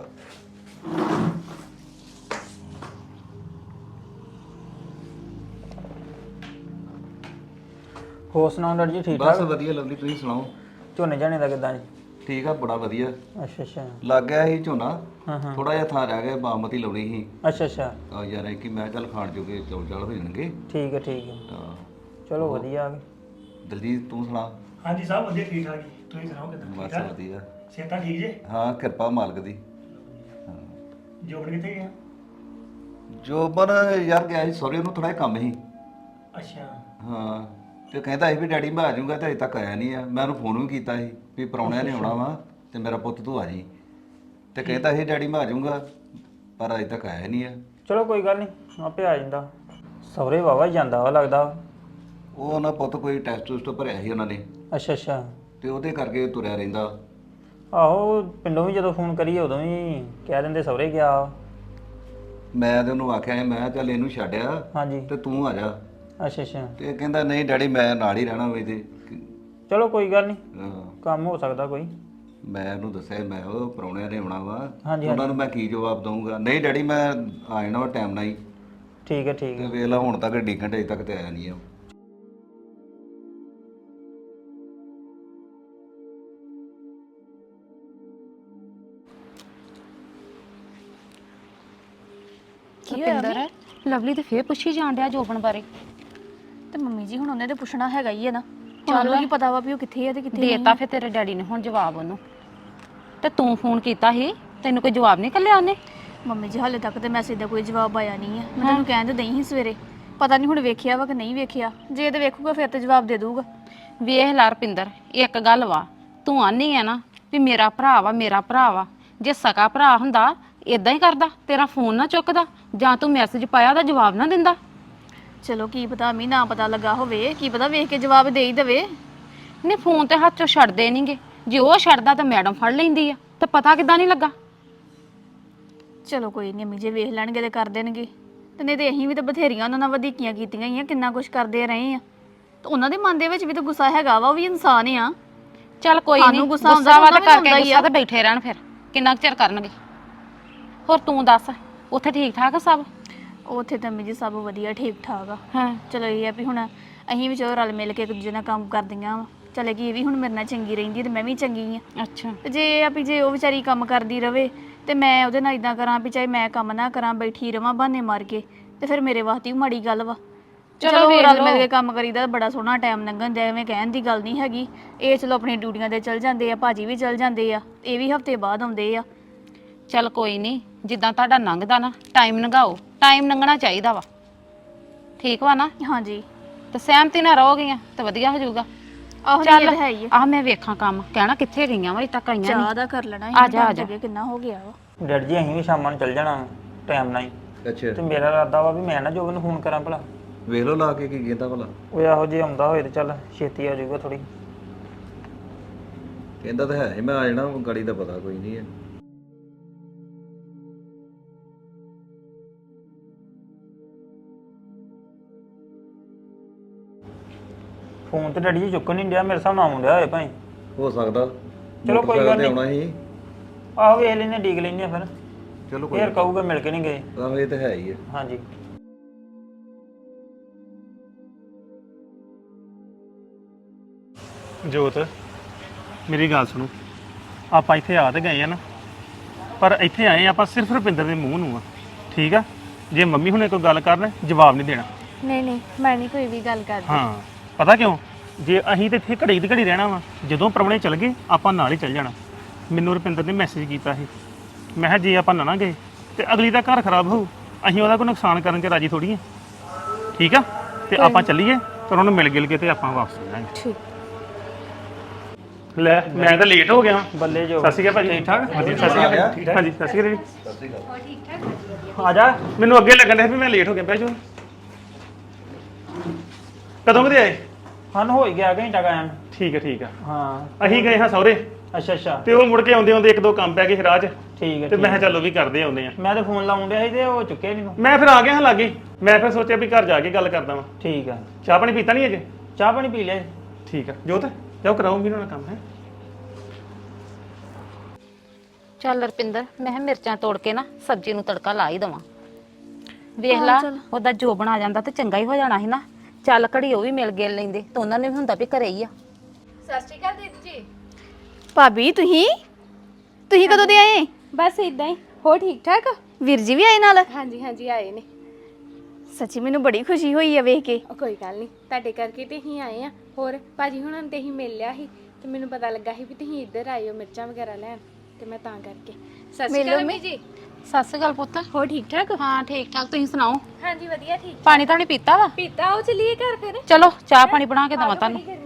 ਹੋਰ ਸੁਣਾਓ ਡੈਡੀ ਜੀ ਠੀਕ
ਬਸ
ਠਾਕ?
ਵਧੀਆ ਲਵਲੀ, ਤੁਸੀਂ ਸੁਣਾਓ?
ਝੋਨੇ ਝਾਣੇ ਦਾ ਕਿੱਦਾਂ ਜੀ?
ਠੀਕ ਆ, ਬੜਾ ਵਧੀਆ।
ਅੱਛਾ ਅੱਛਾ।
ਲੱਗ ਗਿਆ ਸੀ ਝੋਨਾ,
ਹਾਂ ਹਾਂ।
ਥੋੜਾ ਜਿਹਾ ਥਾਂ ਰਹਿ ਗਿਆ, ਬਾਮਤੀ ਲਾਉਣੀ ਸੀ।
ਅੱਛਾ ਅੱਛਾ
ਆ ਯਾਰ ਕਿ ਮੈਂ ਚੱਲ ਖਾਣ ਜੋਗੇ ਚੌਲ ਚਾਲ ਹੋ ਜਾਣਗੇ।
ਠੀਕ ਹੈ ਠੀਕ ਹੈ।
ਹਾਂ।
ਚਲੋ ਵਧੀਆ ਆ ਗਏ।
ਦਲਜੀਤ ਤੂੰ ਸੁਣਾ?
ਹਾਂਜੀ ਸਭ ਵਧੀਆ ਠੀਕ ਠਾਕ ਜੀ, ਤੁਸੀਂ ਸੁਣਾਓ ਕਿੱਦਾਂ ਠੀਕ
ਬਸ
ਠਾਕ?
ਵਧੀਆ।
ਸਿਹਤਾਂ ਠੀਕ ਜੇ?
ਹਾਂ ਕਿਰਪਾ ਮਾਲਕ ਦੀ। ਹਾਂ।
ਜੋਬਨ ਕਿੱਥੇ ਗਿਆ?
ਜੋਬਨ ਯਾਰ ਗਿਆ ਸੀ ਸਹੁਰੇ, ਨੂੰ ਥੋੜਾ ਜਿਹਾ ਕੰਮ ਸੀ।
ਅੱਛਾ
ਹਾਂ ਤੇ ਕਹਿੰਦਾ ਸੀ ਵੀ ਡੈਡੀ ਮੈਂ ਆ ਜਾਊਂਗਾ, ਤੇ ਅਜੇ ਤੱਕ ਆਇਆ ਨਹੀਂ ਆ। ਮੈਂ ਉਹਨੂੰ ਫੋਨ ਵੀ ਕੀਤਾ ਸੀ ਵੀ ਪ੍ਰਾਹੁਣਿਆਂ ਨੇ ਆਉਣਾ ਵਾ ਤੇ ਮੇਰਾ ਪੁੱਤ ਤੂੰ ਆ ਜੀ। ਤੇ ਕਹਿੰਦਾ ਸੀ ਡੈਡੀ ਮੈਂ ਆ ਜਾਊਂਗਾ, ਪਰ ਅਜੇ ਤੱਕ ਆਇਆ ਨਹੀਂ ਆ।
ਚਲੋ ਕੋਈ ਗੱਲ ਨਹੀਂ, ਆਪੇ ਆ ਜਾਂਦਾ। ਸਹੁਰੇ ਵਾਵਾ ਜਾਂਦਾ ਵਾ ਲੱਗਦਾ।
ਉਹ ਉਹਨਾਂ ਪੁੱਤ ਕੋਈ ਟੈਸਟ ਟੂਸਟ ਭਰਿਆ ਸੀ ਉਹਨਾਂ ਨੇ,
ਅੱਛਾ ਅੱਛਾ।
ਤੇ ਉਹਦੇ ਕਰਕੇ ਤੁਰਿਆ ਰਹਿੰਦਾ।
ਆਹੋ ਪਿੰਡੋਂ ਵੀ ਜਦੋਂ ਫੋਨ ਕਰੀਏ ਉਦੋਂ ਵੀ ਕਹਿ ਦਿੰਦੇ ਸਹੁਰੇ ਗਿਆ।
ਮੈਂ ਤੇ ਉਹਨੂੰ ਆਖਿਆ ਸੀ, ਮੈਂ ਕਿਹਾ ਚੱਲ ਇਹਨੂੰ ਛੱਡਿਆ
ਹਾਂਜੀ।
ਤੇ ਤੂੰ ਆ ਜਾ।
ਅੱਛਾ ਅੱਛਾ।
ਤੇ ਕਹਿੰਦਾ ਨਹੀਂ ਡੈਡੀ ਮੈਂ ਨਾਲ ਹੀ ਰਹਿਣਾ ਵੇ ਤੇ।
ਚਲੋ ਕੋਈ ਗੱਲ ਨਹੀਂ,
ਹਾਂ।
ਕੰਮ ਹੋ ਸਕਦਾ ਕੋਈ।
ਮੈਂ ਉਹਨੂੰ ਦੱਸਿਆ, ਮੈਂ ਉਹ ਪ੍ਰਾਹੁਣਿਆਂ ਨੇ ਆਉਣਾ ਵਾ,
ਹਾਂਜੀ,
ਉਹਨਾਂ ਨੂੰ ਮੈਂ ਕੀ ਜਵਾਬ ਦਊਂਗਾ? ਨਹੀਂ ਡੈਡੀ ਮੈਂ ਆ ਜਾਣਾ ਵਾ ਟਾਈਮ ਨਾਲ ਹੀ।
ਠੀਕ ਹੈ ਠੀਕ
ਤੇ
ਹੈ।
ਵੇਖ ਲਾ ਹੁਣ ਤੱਕ ਡੀ ਘੰਟੇ ਤੱਕ ਤੇ ਆਇਆ ਨਹੀਂ ਆ।
ਕੀ ਹੋਇਆ
ਰੁਪਿੰਦਰ, ਲਵਲੀ ਤੇ ਫੇਰ ਪੁੱਛੀ ਜਾਣ ਡਿਆ ਜੋਬਨ ਬਾਰੇ।
ਤੇ ਮੰਮੀ ਜੀ ਹੁਣ ਉਹਨੇ ਤੇ ਪੁੱਛਣਾ ਹੈਗਾ ਹੀ ਹੈ ਨਾ, ਚਲੋ ਕੀ ਪਤਾ ਵਾ ਵੀ ਉਹ ਕਿੱਥੇ ਆ ਤੇ ਕਿੱਥੇ ਨਹੀਂ।
ਦੇਤਾ ਫਿਰ ਤੇਰੇ ਡੈਡੀ ਨੇ ਹੁਣ ਜਵਾਬ ਉਹਨੂੰ। ਤੇ ਤੂੰ ਫੋਨ ਕੀਤਾ ਸੀ, ਤੈਨੂੰ ਕੋਈ ਜਵਾਬ ਨਹੀਂ ਕੱਲਿਆ ਉਹਨੇ?
ਮੰਮੀ ਜੀ ਹਾਲੇ ਤੱਕ ਤੇ ਮੈਸੇਜ ਦਾ ਕੋਈ ਜਵਾਬ ਆਇਆ ਨਹੀਂ ਹੈ। ਮੈਂ ਤੈਨੂੰ ਕਹਿਣ ਤੇ ਦਈ ਸੀ ਸਵੇਰੇ, ਪਤਾ ਨਹੀਂ ਹੁਣ ਵੇਖਿਆ ਵਾ ਕਿ ਨਹੀਂ ਵੇਖਿਆ। ਜੇ ਤੇ ਵੇਖੂਗਾ ਫਿਰ ਤੇ ਜਵਾਬ ਦੇ ਦੂਗਾ।
ਵੇਖ ਲਾ ਰੁਪਿੰਦਰ, ਇੱਕ ਗੱਲ ਵਾ, ਤੂੰ ਆਨੀ ਆ ਨਾ ਵੀ ਮੇਰਾ ਭਰਾ ਵਾ ਮੇਰਾ ਭਰਾ ਵਾ। ਜੇ ਸਕਾ ਭਰਾ ਹੁੰਦਾ ਇਦਾਂ ਹੀ ਕਰਦਾ, ਤੇਰਾ ਫੋਨ ਨਾ ਚੁੱਕਦਾ, ਜਾਂ ਤੂੰ ਮੈਸੇਜ ਪਾਇਆ ਉਹਦਾ ਜਵਾਬ ਨਾ ਦਿੰਦਾ।
ਚਲੋ ਕੀ ਪਤਾ ਮੀ ਨਾ ਪਤਾ ਲੱਗਾ ਹੋਵੇ, ਕੀ ਪਤਾ ਵੇਖ ਕੇ ਜਵਾਬ ਦੇ ਹੀ ਦੇਵੇ।
ਨਹੀਂ ਫੋਨ ਤੇ ਹੱਥ ਚੋਂ ਛੱਡਦੇ ਨਹੀਂਗੇ, ਜੇ ਉਹ ਛੱਡਦਾ ਤਾਂ ਮੈਡਮ ਫੜ ਲੈਂਦੀ ਆ, ਤੇ ਪਤਾ ਕਿੱਦਾਂ ਨਹੀਂ ਲੱਗਾ?
ਚਲੋ ਕੋਈ ਨਹੀਂ ਅਮੀ ਜੇ ਵੇਖ ਲੈਣਗੇ ਤੇ ਕਰ ਦੇਣਗੇ, ਤੇ ਨਹੀਂ ਤੇ ਅਸੀਂ ਵੀ ਤਾਂ ਬਥੇਰੀਆਂ ਉਹਨਾਂ ਨਾਲ ਵਧੀਕੀਆਂ ਕੀਤੀਆਂ ਹੀ ਆ, ਕਿੰਨਾ ਕੁਛ ਕਰਦੇ ਰਹੇ ਆ। ਤੇ ਉਹਨਾਂ ਦੇ ਮਨ ਦੇ ਵਿੱਚ ਵੀ ਤਾਂ ਗੁੱਸਾ ਹੈਗਾ ਵਾ, ਉਹ ਵੀ ਇਨਸਾਨ ਆ।
ਚੱਲ ਕੋਈ
ਸਾਨੂੰ
ਨਹੀਂ,
ਗੁੱਸਾ ਆਉਂਦਾ
ਗੁੱਸਾ ਵਾ ਤਾਂ
ਉਹਨਾਂ ਨੂੰ
ਕਰਕੇ
ਆਉਂਦਾ ਹੀ ਆ।
ਗੁੱਸਾ ਤੇ ਬੈਠੇ ਰਹਿਣ, ਫਿਰ ਕਿੰਨਾ ਕੁ ਚਿਰ ਕਰਨਗੇ। ਹੋਰ ਤੂੰ ਦੱਸ, ਉੱਥੇ ਠੀਕ ਠਾਕ ਆ ਸਭ?
ਉੱਥੇ ਤਾਂ ਅਮੀ ਜੀ ਸਭ ਵਧੀਆ ਠੀਕ ਠਾਕ ਆ।
ਹਾਂ
ਚਲੋ ਇਹ ਆ ਵੀ ਹੁਣ ਅਸੀਂ ਵੀ ਚਲੋ ਰਲ ਮਿਲ ਕੇ ਇੱਕ ਦੂਜੇ ਨਾਲ ਕੰਮ ਕਰਦੀਆਂ ਵਾ। ਚਲੇ ਗਈ ਇਹ ਵੀ ਹੁਣ ਮੇਰੇ ਨਾਲ ਚੰਗੀ ਰਹਿੰਦੀ ਤੇ ਮੈਂ ਵੀ ਚੰਗੀ ਆ।
ਅੱਛਾ।
ਤੇ ਜੇ ਇਹ ਆ ਵੀ ਜੇ ਉਹ ਵਿਚਾਰੀ ਕੰਮ ਕਰਦੀ ਰਵੇ ਤੇ ਮੈਂ ਉਹਦੇ ਨਾਲ ਇਦਾਂ ਕਰਾਂ ਵੀ ਚਾਹੇ ਮੈਂ ਕੰਮ ਨਾ ਕਰਾਂ, ਬੈਠੀ ਰਵਾਂ ਬਹਾਨੇ ਮਾਰ ਕੇ, ਤੇ ਫਿਰ ਮੇਰੇ ਵਾਸਤੇ ਵੀ ਮਾੜੀ ਗੱਲ ਵਾ। ਚਲੋ
ਵੇਖ
ਰਲ
ਲਓ।
ਮਿਲ ਕੇ ਕੰਮ ਕਰੀਦਾ ਤਾਂ ਬੜਾ ਸੋਹਣਾ ਟਾਈਮ ਲੰਘਣ ਦਿਆ, ਐਵੇਂ ਕਹਿਣ ਦੀ ਗੱਲ ਨਹੀਂ ਹੈਗੀ। ਇਹ ਚਲੋ ਆਪਣੀ ਡਿਊਟੀਆਂ ਤੇ ਚਲ ਜਾਂਦੇ ਆ, ਭਾਜੀ ਵੀ ਚਲ ਜਾਂਦੇ ਆ, ਇਹ ਵੀ ਹਫਤੇ ਬਾਅਦ ਆਉਂਦੇ ਆ।
ਚੱਲ ਕੋਈ ਨਹੀਂ, ਜਿੱਦਾਂ ਤੁਹਾਡਾ ਲੰਘਦਾ ਨਾ ਟਾਈਮ ਲੰਘਾਓ, ਟਾਈਮ ਲੰਘਣਾ ਚਾਹੀਦਾ ਵਾ, ਠੀਕ ਵਾ ਨਾ?
ਹਾਂਜੀ
ਤੇ ਸਹਿਮਤੀ ਨਾਲ ਰਹੋਗੀਆਂ ਤੇ ਵਧੀਆ ਹੋ ਜਾਊਗਾ।
ਆਹੋ
ਚੱਲ
ਇਹ ਤਾਂ ਹੈ ਹੀ ਆ।
ਆ ਮੈਂ ਵੇਖਾਂ ਕੰਮ, ਕਹਿਣਾ ਕਿੱਥੇ ਗਈਆਂ ਵਾ, ਅਜੇ ਤੱਕ ਆਈਆਂ
ਚਾਹ
ਨਹੀਂ।
ਦਾ ਕਰ ਲੈਣਾ
ਆ ਜਾ, ਆ ਜਾ।
ਅੱਗੇ ਕਿੰਨਾ ਹੋ ਗਿਆ ਵਾ।
ਡੈਡੀ ਜੀ ਅਸੀਂ ਵੀ ਸ਼ਾਮਾਂ ਨੂੰ ਚੱਲ ਜਾਣਾ ਟਾਈਮ ਨਾਲ ਹੀ।
ਅੱਛਾ
ਤੇ ਮੇਰਾ ਇਰਾਦਾ ਵਾ ਵੀ ਮੈਂ ਨਾ ਜੋਬਨ ਨੂੰ ਫੋਨ ਕਰਾਂ ਭਲਾ।
ਵੇਖ ਲਓ ਲਾ ਕੇ ਕੀ ਕਹਿੰਦਾ ਭਲਾ।
ਉਹ ਇਹੋ ਜੇ ਆਉਂਦਾ ਹੋਏ ਤੇ ਚੱਲ ਛੇਤੀ ਆ ਜਾਊਗਾ ਥੋੜੀ।
ਕਹਿੰਦਾ ਤਾਂ ਹੈ ਸੀ, ਮੈਂ ਆ ਜਾਣਾ, ਗਾੜੀ ਦਾ ਪਤਾ ਕੋਈ ਨਹੀਂ ਹੈ।
ਫੋਨ ਤੇ ਡੈਡੀ ਜੀ ਚੁੱਕਣ ਨਹੀਂ ਡਿਆ, ਮੇਰੇ ਹਿਸਾਬ ਨਾਲ ਆਉਣ ਡਿਆ ਹੋਏ ਭਾਈ।
ਹੋ ਸਕਦਾ।
ਚਲੋ ਕੋਈ ਗੱਲ
ਮੋਟਰਸਾਈਕਲ ਤੇ
ਨਹੀਂ।
ਆਉਣਾ ਸੀ।
ਆਹੋ ਵੇਖ ਲੈਨੇ ਡੀਕ ਲੈਨੇ ਆ ਫਿਰ।
ਚਲੋ ਕੋਈ
ਫੇਰ ਕਹੂਗਾ ਮਿਲ ਕੇ ਨਹੀਂ ਗਏ।
ਆਹੋ ਇਹ ਤਾਂ ਹੈ ਹੀ ਹੈ।
ਹਾਂਜੀ
ਜੋਤ ਮੇਰੀ ਗੱਲ ਸੁਣੋ, ਆਪਾਂ ਇੱਥੇ ਆ ਤੇ ਗਏ ਆ ਨਾ, ਪਰ ਇੱਥੇ ਆਏ ਆਪਾਂ ਸਿਰਫ ਰੁਪਿੰਦਰ ਦੇ ਮੂੰਹ ਨੂੰ ਆ, ਠੀਕ ਆ। ਜੇ ਮੰਮੀ ਹੁਣੇ ਕੋਈ ਗੱਲ ਕਰਨ ਜਵਾਬ ਨਹੀਂ ਦੇਣਾ।
ਨਹੀਂ ਨਹੀਂ ਮੈਂ ਨਹੀਂ ਕੋਈ ਵੀ ਗੱਲ ਕਰਦੀ।
ਹਾਂ ਪਤਾ ਕਿਉਂ, ਜੇ ਅਸੀਂ ਤੇ ਇੱਥੇ ਘੜੀ ਦੀ ਘੜੀ ਰਹਿਣਾ ਵਾ, ਜਦੋਂ ਪ੍ਰਾਹੁਣੇ ਚਲ ਗਏ ਆਪਾਂ ਨਾਲ ਹੀ ਚੱਲ ਜਾਣਾ। ਮੈਨੂੰ ਰੁਪਿੰਦਰ ਨੇ ਮੈਸੇਜ ਕੀਤਾ ਸੀ, ਮੈਂ ਕਿਹਾ ਜੇ ਆਪਾਂ ਨਾ ਨਾ ਗਏ ਤੇ ਅਗਲੀ ਦਾ ਘਰ ਖਰਾਬ ਹੋਊ, ਅਸੀਂ ਉਹਦਾ ਕੋਈ ਨੁਕਸਾਨ ਕਰਨ 'ਚ ਰਾਜੀ ਥੋੜੀ ਆ, ਠੀਕ ਆ। ਤੇ ਆਪਾਂ ਚੱਲੀਏ ਤੇ ਉਹਨਾਂ ਨੂੰ ਮਿਲ ਗਿਲ ਕੇ ਤੇ ਆਪਾਂ ਵਾਪਸ ਆ ਜਾਵਾਂਗੇ।
ਠੀਕ।
ਲੈ ਮੈਂ ਤਾਂ ਲੇਟ ਹੋ ਗਿਆ।
ਬੱਲੇ ਜੋ
ਸਤਿ ਸ਼੍ਰੀ ਅਕਾਲ ਭਾਜੀ।
ਠੀਕ ਠਾਕ
ਵਧੀਆ, ਸਤਿ ਸ਼੍ਰੀ ਅਕਾਲ। ਠੀਕ ਠਾਕ ਹਾਂਜੀ, ਸਤਿ ਸ਼੍ਰੀ ਅਕਾਲ ਜੀ।
ਸਤਿ ਸ਼੍ਰੀ ਅਕਾਲ।
ਆ ਜਾ।
ਮੈਨੂੰ ਅੱਗੇ ਲੱਗਣ ਡਿਆ ਵੀ ਮੈਂ ਲੇਟ ਹੋ ਗਿਆ। ਬਹਿ ਜਾਓ। ਕਦੋਂ ਕਦੇ ਆਏ?
ਹਨ ਹੋ ਹੀ ਗਿਆ ਘੰਟਾ ਕਾਇਮ।
ਠੀਕ ਹੈ ਠੀਕ ਆ।
ਹਾਂ
ਅਸੀਂ ਗਏ ਹਾਂ ਸਹੁਰੇ,
ਅੱਛਾ ਅੱਛਾ
ਤੇ ਉਹ ਮੁੜ ਕੇ ਆਉਂਦੇ ਆਉਂਦੇ ਇੱਕ ਦੋ ਕੰਮ ਪੈ ਗਏ ਰਾਹ 'ਚ,
ਠੀਕ ਹੈ
ਤੇ ਮੈਂ
ਠੀਕ
ਕਿਹਾ ਚੱਲ ਉਹ ਵੀ ਕਰਦੇ ਆਉਂਦੇ ਆ।
ਮੈਂ ਤਾਂ ਫੋਨ ਲਾਉਣ ਡਿਆ ਸੀ ਤੇ ਉਹ ਚੁੱਕਿਆ ਨਹੀਂ ਤੂੰ।
ਮੈਂ ਫਿਰ ਆ ਗਿਆ ਹਾਂ ਲਾਗੇ, ਮੈਂ ਫਿਰ ਸੋਚਿਆ ਵੀ ਘਰ ਜਾ ਕੇ ਗੱਲ ਕਰਦਾ ਵਾਂ।
ਠੀਕ ਆ।
ਚਾਹ ਪਾਣੀ ਪੀਤਾ ਨਹੀਂ ਅਜੇ?
ਚਾਹ ਪਾਣੀ ਪੀ ਲਿਆ?
ਠੀਕ ਆ ਜੋਤ, ਜਾਓ ਕਰਾਓ ਵੀ ਉਹਨਾਂ ਕੰਮ ਹੈ।
ਚੱਲ ਰਪਿੰਦਰ, ਮੈਂ ਕਿਹਾ ਮਿਰਚਾਂ ਤੋੜ ਕੇ ਨਾ ਸਬਜ਼ੀ ਨੂੰ ਤੜਕਾ ਲਾ ਹੀ ਦਵਾਂ। ਵੇਖ ਲਾ ਉਹਦਾ ਜੋ ਬਣਾ ਜਾਂਦਾ ਤੇ ਚੰਗਾ ਹੀ ਹੋ ਜਾਣਾ ਸੀ ਨਾ। ਚੱਲ ਘੜੀ ਉਹ ਵੀ ਮਿਲ ਗਿਲ ਲੈਂਦੇ ਤੇ ਉਹਨਾਂ ਨੇ ਵੀ ਹੁੰਦਾ ਵੀ ਘਰੇ ਹੀ ਆ।
ਸਤਿ ਸ਼੍ਰੀ ਅਕਾਲ ਦੀਦੀ ਜੀ।
ਭਾਬੀ ਤੁਸੀਂ ਤੁਸੀਂ ਕਦੋਂ ਦੇ ਆਏ?
ਬਸ ਇਦਾਂ ਹੀ। ਹੋ ਠੀਕ ਠਾਕ?
ਵੀਰ ਜੀ ਵੀ ਆਏ ਨਾਲ?
ਹਾਂਜੀ ਹਾਂਜੀ ਆਏ ਨੇ।
ਸੱਚੀ ਮੈਨੂੰ ਬੜੀ ਖੁਸ਼ੀ ਹੋਈ ਆ ਵੇਖ ਕੇ।
ਉਹ ਕੋਈ ਗੱਲ ਨਹੀਂ, ਤੁਹਾਡੇ ਕਰਕੇ ਤੇ ਹੀ ਆਏ ਆ। ਹੋਰ ਭਾਜੀ ਹੁਣਾਂ ਨੂੰ ਤੇ ਹੀ ਮਿਲ ਲਿਆ ਸੀ ਤੇ ਮੈਨੂੰ ਪਤਾ ਲੱਗਾ ਸੀ ਵੀ ਤੁਸੀਂ ਇੱਧਰ ਆਏ ਹੋ ਮਿਰਚਾਂ ਵਗੈਰਾ ਲੈਣ, ਤੇ ਮੈਂ ਤਾਂ ਕਰਕੇ। ਸਤਿ ਸ਼੍ਰੀ ਅਕਾਲ ਮੰਮੀ ਜੀ।
ਸਤਿ ਸ਼੍ਰੀ ਅਕਾਲ ਪੁੱਤ।
ਹੋ ਠੀਕ ਠਾਕ?
ਹਾਂ ਠੀਕ ਠਾਕ, ਤੁਸੀਂ ਸੁਣਾਓ?
ਹਾਂਜੀ ਵਧੀਆ ਠੀਕ।
ਪਾਣੀ ਤਾਂ ਨਹੀਂ ਪੀਤਾ ਵਾ?
ਪੀਤਾ ਉਹ ਚਲੀਏ ਘਰ ਫਿਰ।
ਚਲੋ ਚਾਹ ਪਾਣੀ ਬਣਾ ਕੇ ਦਵਾਂ ਤੁਹਾਨੂੰ।